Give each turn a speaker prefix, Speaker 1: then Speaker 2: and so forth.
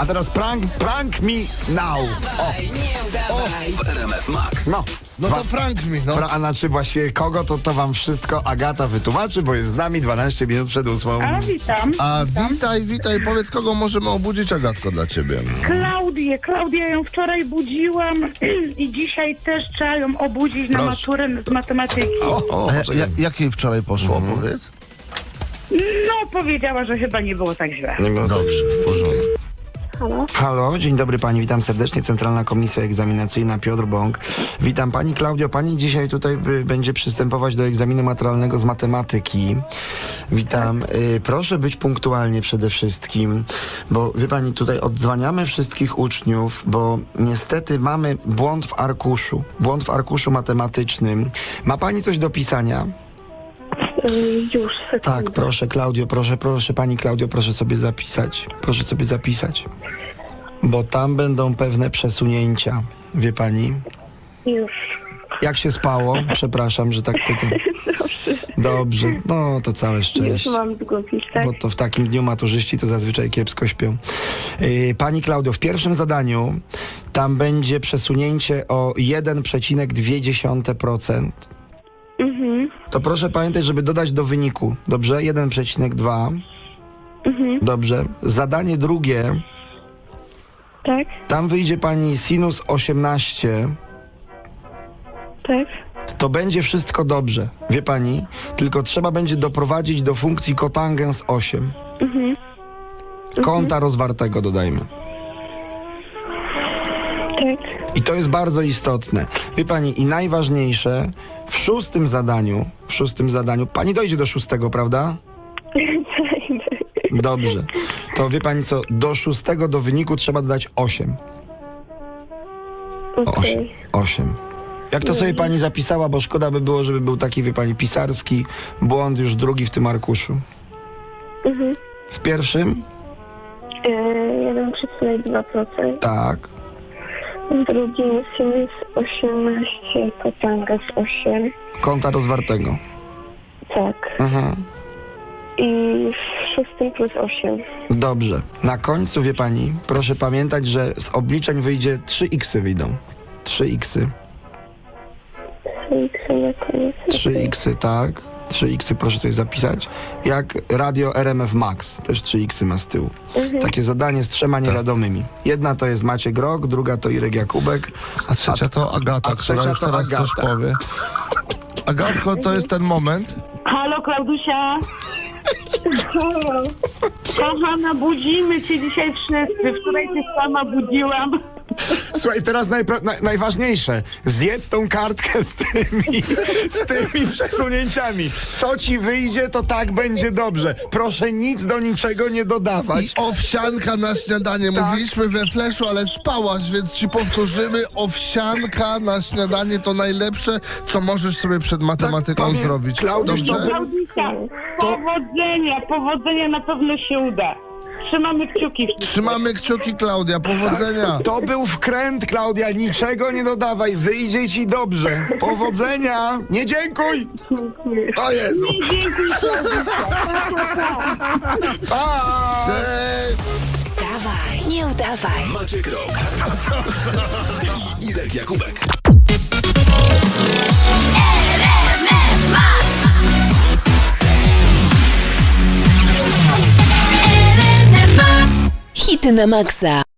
Speaker 1: teraz prank me now.
Speaker 2: W RMF Max.
Speaker 1: No.
Speaker 3: No to prank mi, no.
Speaker 1: A znaczy właściwie kogo, to wam wszystko Agata wytłumaczy, bo jest z nami 12 minut przed 8.
Speaker 4: A witam.
Speaker 3: A witaj, powiedz, kogo możemy obudzić, Agatko, dla ciebie?
Speaker 4: Klaudię ją wczoraj budziłam i dzisiaj też trzeba ją obudzić na
Speaker 1: Proszę.
Speaker 4: maturę z matematyki.
Speaker 3: Jak jej wczoraj poszło, powiedz?
Speaker 4: No, powiedziała, że chyba nie było tak źle.
Speaker 3: Dobrze, w porządku.
Speaker 1: Halo, dzień dobry pani, witam serdecznie, Centralna Komisja Egzaminacyjna, Piotr Bąk. Witam pani Klaudio, pani dzisiaj tutaj będzie przystępować do egzaminu maturalnego z matematyki. Witam, proszę być punktualnie przede wszystkim, bo wie pani, tutaj odzwaniamy wszystkich uczniów, bo niestety mamy błąd w arkuszu matematycznym. Ma pani coś do pisania?
Speaker 5: Już, sekundę.
Speaker 1: Tak, proszę Klaudio, proszę pani Klaudio, proszę sobie zapisać. Bo tam będą pewne przesunięcia, wie pani?
Speaker 5: Już.
Speaker 1: Jak się spało? Przepraszam, że tak pytam.
Speaker 5: Proszę.
Speaker 1: Dobrze, no to całe
Speaker 5: Już
Speaker 1: szczęście.
Speaker 5: mam długopis, tak?
Speaker 1: Bo to w takim dniu maturzyści to zazwyczaj kiepsko śpią. Pani Klaudio, w pierwszym zadaniu tam będzie przesunięcie o 1,2%. To proszę pamiętać, żeby dodać do wyniku. Dobrze? 1,2. Dobrze. Zadanie drugie.
Speaker 5: Tak,
Speaker 1: Tam wyjdzie pani sinus 18.
Speaker 5: tak.
Speaker 1: To będzie wszystko dobrze. Wie pani? Tylko trzeba będzie doprowadzić do funkcji kotangens 8. Kąta rozwartego dodajmy.
Speaker 5: Tak.
Speaker 1: I to jest bardzo istotne. Wie pani, i najważniejsze, w szóstym zadaniu, pani dojdzie do 6, prawda? Dobrze. To wie pani co, do 6 do wyniku trzeba dodać 8.
Speaker 5: Okej.
Speaker 1: 8. Jak to sobie pani zapisała, bo szkoda by było, żeby był taki, wie pani, pisarski błąd już drugi w tym arkuszu. W pierwszym?
Speaker 5: 1,2%.
Speaker 1: Tak.
Speaker 5: W drugim sinus 18, kotangas 8.
Speaker 1: Kąta rozwartego.
Speaker 5: Tak.
Speaker 1: Aha.
Speaker 5: I w szóstym plus 8.
Speaker 1: Dobrze. Na końcu, wie pani, proszę pamiętać, że z obliczeń wyjdzie 3x wyjdą. 3x.
Speaker 5: 3x na koniec.
Speaker 1: 3x, tak. 3x proszę sobie zapisać. Jak radio RMF Max, też 3x ma z tyłu. Takie zadanie z 3 niewiadomymi. Jedna to jest Maciek Rok, druga to Irek Jakubek.
Speaker 3: A trzecia to Agata,
Speaker 1: a trzecia
Speaker 3: która już
Speaker 1: to
Speaker 3: teraz
Speaker 1: Agata.
Speaker 3: coś powie. Agatko, to jest ten moment.
Speaker 4: Halo, Klaudusia. Kochana, budzimy cię dzisiaj wszyscy. Wczoraj cię sama budziłam.
Speaker 1: Słuchaj, teraz najważniejsze. Zjedz tą kartkę z tymi przesunięciami. Co ci wyjdzie, to tak będzie dobrze. Proszę nic do niczego nie dodawać.
Speaker 3: I owsianka na śniadanie.
Speaker 1: Tak.
Speaker 3: Mówiliśmy we fleszu, ale spałaś, więc ci powtórzymy. Owsianka na śniadanie to najlepsze, co możesz sobie przed matematyką
Speaker 1: powiem,
Speaker 3: zrobić.
Speaker 1: Klaudiusz,
Speaker 3: Dobrze?
Speaker 4: Klaudusia, powodzenia na pewno się uda. Trzymamy kciuki.
Speaker 3: Trzymamy kciuki, Klaudia. Powodzenia.
Speaker 1: To był wkręt, Klaudia. Niczego nie dodawaj. Wyjdzie ci dobrze. Powodzenia. Nie dziękuj. O Jezu.
Speaker 4: Dziękuję, Klaudusia.
Speaker 1: Pa!
Speaker 3: Cześć.
Speaker 6: Wstawaj, nie udawaj.
Speaker 2: Maciek Rok. I Irek Jakubek.
Speaker 6: Hity na maksa.